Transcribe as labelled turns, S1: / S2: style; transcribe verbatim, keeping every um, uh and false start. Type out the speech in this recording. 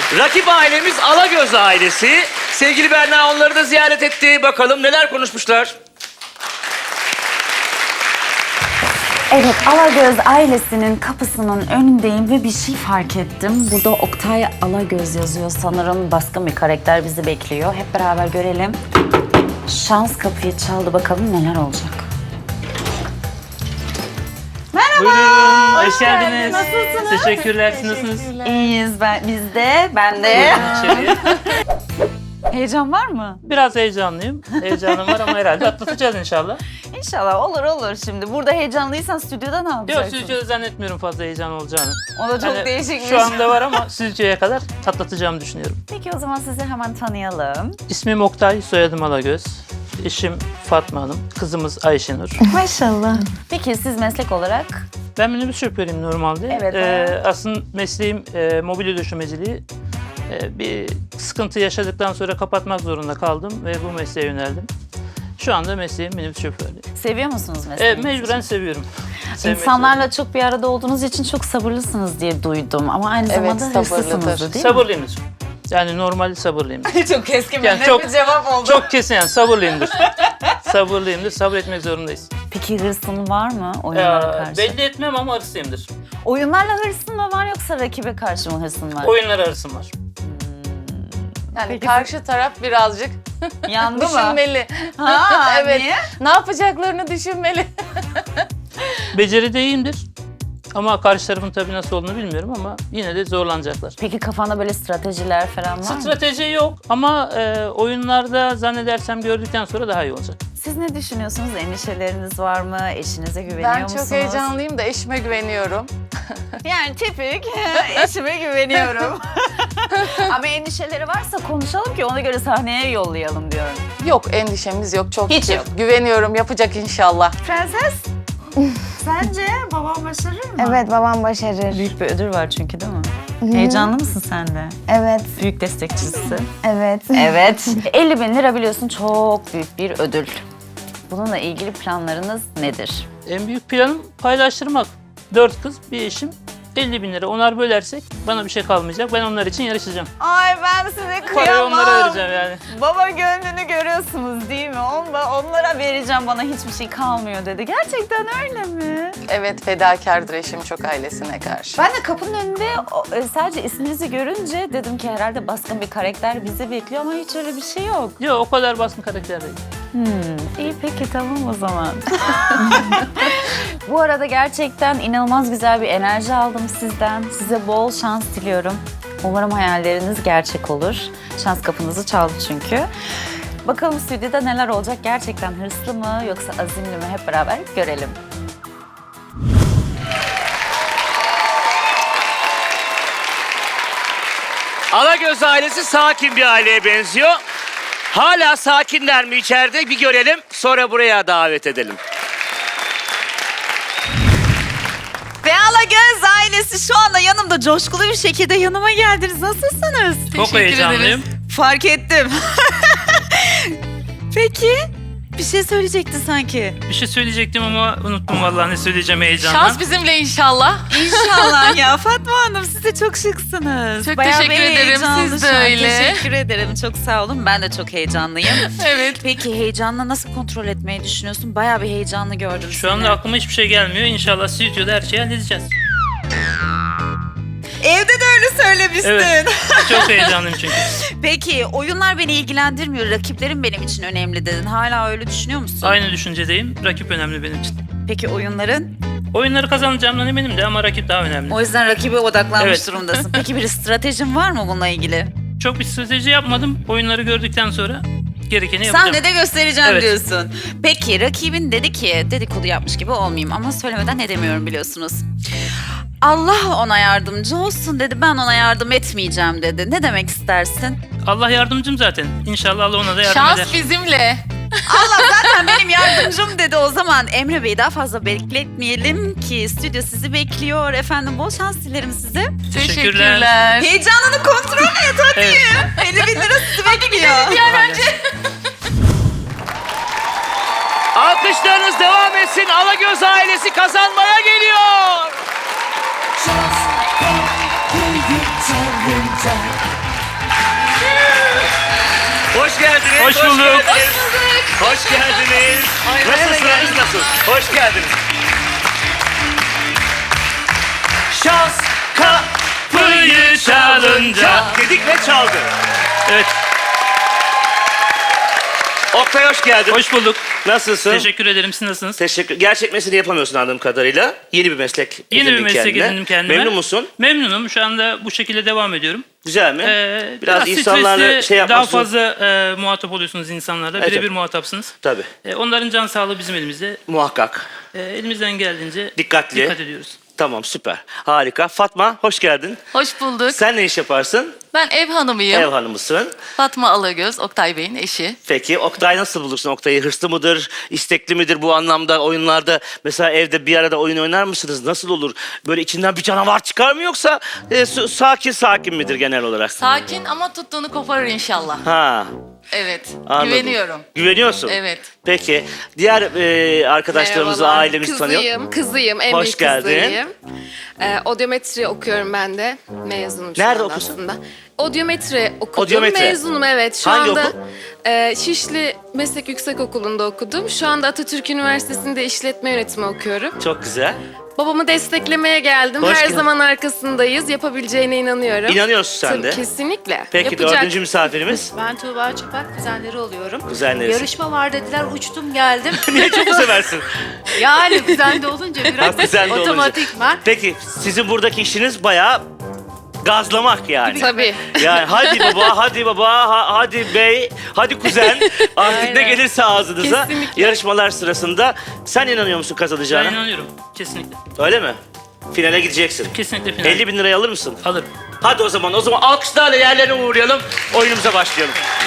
S1: Rakip ailemiz Alagöz ailesi. Sevgili Berna onları da ziyaret etti. Bakalım neler konuşmuşlar.
S2: Evet, Alagöz ailesinin kapısının önündeyim ve bir şey fark ettim. Burada Oktay Alagöz yazıyor sanırım. Baskın bir karakter bizi bekliyor. Hep beraber görelim. Şans kapıyı çaldı. Bakalım neler olacak. Merhaba.
S3: Buyurun, hoş geldiniz.
S2: Nasılsınız?
S3: Teşekkürler, siz nasılsınız?
S2: İyiyiz, ben, biz de, ben de.
S3: İçeriye.
S2: Heyecan var mı?
S3: Biraz heyecanlıyım. Heyecanım var ama herhalde atlatacağız inşallah.
S2: İnşallah olur olur şimdi. Burada heyecanlıysan stüdyoda ne
S3: Yok,
S2: yapacaksın?
S3: stüdyoda zannetmiyorum fazla heyecan olacağını.
S2: O da çok
S3: Yani
S2: değişikmiş.
S3: Şu anda var ama stüdyoya kadar atlatacağımı düşünüyorum.
S2: Peki o zaman sizi hemen tanıyalım.
S3: İsmim Oktay, soyadım Alagöz. Eşim Fatma Hanım, kızımız Ayşenur.
S2: Maşallah. Peki siz meslek olarak?
S3: Ben minibüs şoförüyüm normalde.
S2: Evet,
S3: Ee, aslında mesleğim e, mobilya döşemeciliği. Ee, bir sıkıntı yaşadıktan sonra kapatmak zorunda kaldım ve bu mesleğe yöneldim. Şu anda mesleğim minibüs şoförlüğü.
S2: Seviyor musunuz
S3: E,
S2: mesleğinizi?
S3: mecburen seviyorum. Sevmek
S2: İnsanlarla çok bir arada olduğunuz için çok sabırlısınız diye duydum. Ama aynı
S4: Evet,
S2: zamanda
S4: sabırlıdır.
S2: hırslısınız değil mi?
S3: Sabırlıyımdır. Yani normal sabırlıyımdır.
S2: Çok keskin
S3: Yani çok,
S2: bir cevap oldu.
S3: çok kesin yani sabırlıyımdır. Sabırlıyımdır, sabretmek zorundayız.
S2: Peki hırsın var mı oyunlara
S3: Ee,
S2: karşı?
S3: belli etmem ama hırslıyımdır.
S2: Oyunlarla hırsın mı var yoksa rakibe karşı mı hırsın var?
S3: Oyunlar arasım var.
S4: Yani
S2: Peki
S4: karşı taraf birazcık
S2: Yandı mı?
S4: düşünmeli.
S2: Ha,
S4: Evet.
S2: niye?
S4: Ne yapacaklarını düşünmeli.
S3: Beceride iyiyimdir. Ama karşı tarafın tabii nasıl olduğunu bilmiyorum ama yine de zorlanacaklar.
S2: Peki kafanda böyle stratejiler falan var mı?
S3: Strateji yok ama e, oyunlarda zannedersem gördükten sonra daha iyi olacak.
S2: Siz ne düşünüyorsunuz? Endişeleriniz var mı? Eşinize güveniyor
S4: Ben
S2: musunuz?
S4: çok heyecanlıyım da eşime güveniyorum.
S2: Yani tipik eşime güveniyorum. Ama endişeleri varsa konuşalım ki ona göre sahneye yollayalım diyorum.
S4: Yok, endişemiz yok. Çok
S2: Hiç
S4: şükür.
S2: yok.
S4: Güveniyorum, yapacak inşallah.
S2: Prenses, sence babam başarır mı?
S5: Evet, babam başarır.
S2: Büyük bir ödül var çünkü değil mi? Heyecanlı mısın sen de?
S5: Evet,
S2: Büyük destekçisi.
S5: evet.
S2: Evet. elli bin lira biliyorsun çok büyük bir ödül. Bununla ilgili planlarınız nedir?
S3: En büyük planım paylaştırmak. Dört kız, bir eşim. elli bin lira onar bölersek bana bir şey kalmayacak. Ben onlar için yarışacağım.
S2: Ay ben size
S3: Parayı onlara vereceğim yani.
S2: Baba gönlünü görüyorsunuz değil mi? Onla, onlara vereceğim bana hiçbir şey kalmıyor dedi. Gerçekten öyle mi?
S4: Evet, fedakardır eşim çok ailesine karşı.
S2: Ben de kapının önünde o, e, sadece isminizi görünce dedim ki herhalde baskın bir karakter bizi bekliyor ama hiç öyle bir şey yok.
S3: Yok, o kadar baskın karakter değil.
S2: Hmm, iyi peki tamam o zaman. Bu arada gerçekten inanılmaz güzel bir enerji aldım sizden. Size bol şans diliyorum. Umarım hayalleriniz gerçek olur. Şans kapınızı çaldı çünkü. Bakalım stüdyoda neler olacak? Gerçekten hırslı mı yoksa azimli mi? Hep beraber görelim.
S1: Alagöz ailesi sakin bir aileye benziyor. Hala sakinler mi içeride bir görelim. Sonra buraya davet edelim.
S2: Ve Alagöz ailesi şu anda yanımda coşkulu bir şekilde yanıma geldiniz. Nasılsınız?
S3: Çok heyecanlıyım.
S2: Fark ettim. Peki, bir şey söyleyecekti sanki.
S3: Bir şey söyleyecektim ama unuttum vallahi ne söyleyeceğim heyecandan.
S4: Şans bizimle inşallah.
S2: İnşallah ya Fatma Hanım siz de çok şıksınız.
S4: Çok
S2: Bayağı
S4: teşekkür
S2: bir
S4: ederim,
S2: heyecanlı
S4: siz de
S2: şu an.
S4: öyle.
S2: Teşekkür ederim çok sağ olun ben de çok heyecanlıyım.
S4: Evet.
S2: Peki heyecanla nasıl kontrol etmeyi düşünüyorsun? Bayağı bir heyecanlı gördüm
S3: Şu
S2: seni.
S3: anda aklıma hiçbir şey gelmiyor. İnşallah stüdyoda her şeyi halledeceğiz.
S2: Evde de öyle söylemiştin.
S3: Evet. Çok heyecanlıyım çünkü.
S2: Peki oyunlar beni ilgilendirmiyor. Rakiplerim benim için önemli dedin. Hala öyle düşünüyor musun?
S3: Aynı düşüncedeyim. Rakip önemli benim için.
S2: Peki oyunların?
S3: Oyunları kazanacağımdan eminim de ama rakip daha önemli.
S2: O yüzden rakibe odaklanmış
S3: Evet.
S2: durumdasın. Peki bir stratejin var mı bununla ilgili?
S3: Çok bir strateji yapmadım. Oyunları gördükten sonra gerekeni yapacağım.
S2: Sahnede göstereceğim
S3: Evet.
S2: diyorsun. Peki rakibin dedi ki dedikodu yapmış gibi olmayayım ama söylemeden ne demiyorum biliyorsunuz. Allah ona yardımcı olsun dedi. Ben ona yardım etmeyeceğim dedi. Ne demek istersin?
S3: Allah yardımcım zaten. İnşallah Allah ona da yardım
S4: Şans
S3: eder.
S4: bizimle.
S2: Allah zaten benim yardımcım dedi. O zaman Emre Bey'i daha fazla bekletmeyelim ki stüdyo sizi bekliyor. Efendim bol şans dilerim size.
S3: Teşekkürler.
S2: Heyecanını kontrol et hadi.
S3: Evet.
S2: elli bin lira sizi bekliyor.
S1: Alkışlarınız devam etsin. Alagöz ailesi kazanmaya geliyor.
S6: Just don't give it time.
S1: Hoş geldiniz.
S3: Hoş bulduk.
S1: geldiniz. Hoş geldiniz. Nasılsınız? Nasıl? Hoş geldiniz. Şans kapıyı çalınca dedik ve çaldı.
S3: Evet,
S1: Oktay hoş geldin.
S3: hoş bulduk.
S1: Nasılsın?
S3: Teşekkür ederim. Siz nasılsınız?
S1: Teşekkür. Gerçek mesleğini yapamıyorsun anladığım kadarıyla. Yeni bir meslek
S3: Yeni bir
S1: edindin
S3: meslek
S1: kendine.
S3: edindim kendime.
S1: Memnun musun?
S3: Memnunum. Şu anda bu şekilde devam ediyorum.
S1: Güzel mi?
S3: Ee,
S1: biraz,
S3: biraz
S1: insanlarla
S3: stresli,
S1: şey
S3: daha
S1: yapmasın.
S3: fazla e, muhatap oluyorsunuz insanlarla.
S1: Evet,
S3: Birebir
S1: evet.
S3: muhatapsınız.
S1: Tabii.
S3: E, onların can sağlığı bizim elimizde.
S1: Muhakkak.
S3: E, elimizden geldiğince
S1: Dikkatli.
S3: dikkat ediyoruz.
S1: Tamam süper. Harika. Fatma hoş geldin.
S4: Hoş bulduk.
S1: Sen ne iş yaparsın?
S4: Ben ev hanımıyım.
S1: Ev hanımısın.
S4: Fatma Alagöz, Oktay Bey'in eşi.
S1: Peki Oktay nasıl bulursun Oktay'ı? Hırslı mıdır? İstekli midir bu anlamda oyunlarda? Mesela evde bir arada oyun oynar mısınız? Nasıl olur? Böyle içinden bir canavar çıkar mı yoksa e, su- sakin sakin midir genel olarak?
S4: Sakin ama tuttuğunu koparır inşallah.
S1: Ha.
S4: Evet,
S1: Anladım.
S4: güveniyorum.
S1: Güveniyorsun.
S4: Evet.
S1: Peki diğer e, arkadaşlarımızı,
S6: Merhabalar,
S1: ailemizi tanıyor.
S6: kızıyım, kızıyım, en
S1: Hoş
S6: büyük
S1: geldin.
S6: kızıyım. Ee, odyometri okuyorum ben de. Mezunum şu
S1: Nerede
S6: anda
S1: okuyorsun?
S6: aslında. Odyometri okudum.
S1: Odyometri.
S6: Mezunum evet. Şu
S1: Hangi
S6: anda
S1: okul?
S6: e, Şişli Meslek Yüksekokulu'nda okudum. Şu anda Atatürk Üniversitesi'nde işletme yönetimi okuyorum.
S1: Çok güzel.
S6: Babamı desteklemeye geldim.
S1: Hoş
S6: Her
S1: geldin.
S6: zaman arkasındayız. Yapabileceğine inanıyorum.
S1: İnanıyorsun sen
S6: Tabii,
S1: de.
S6: kesinlikle.
S1: Peki
S6: Yapacak.
S1: dördüncü misafirimiz?
S7: Ben Tuğba Çapak, kuzenleri oluyorum.
S1: Kuzenlerisin.
S7: Yarışma var dediler, uçtum geldim.
S1: Niye çok seversin?
S7: Yani kuzen de olunca
S1: Ha,
S7: biraz
S1: kuzen de olunca.
S7: otomatikman.
S1: Peki sizin buradaki işiniz bayağı gazlamak yani.
S6: Tabii.
S1: Yani hadi baba, hadi baba, ha- hadi bey, hadi kuzen. Artık ne
S6: Aynen.
S1: gelirse ağzınıza.
S6: Kesinlikle.
S1: Yarışmalar sırasında. Sen inanıyor musun
S3: Ben
S1: kazanacağına?
S3: inanıyorum. Kesinlikle.
S1: Öyle mi? Finale gideceksin.
S3: Kesinlikle final.
S1: elli bin lirayı alır mısın?
S3: Alırım.
S1: Hadi o zaman, o zaman alkışlarla yerlerine uğrayalım. Oyunumuza başlayalım.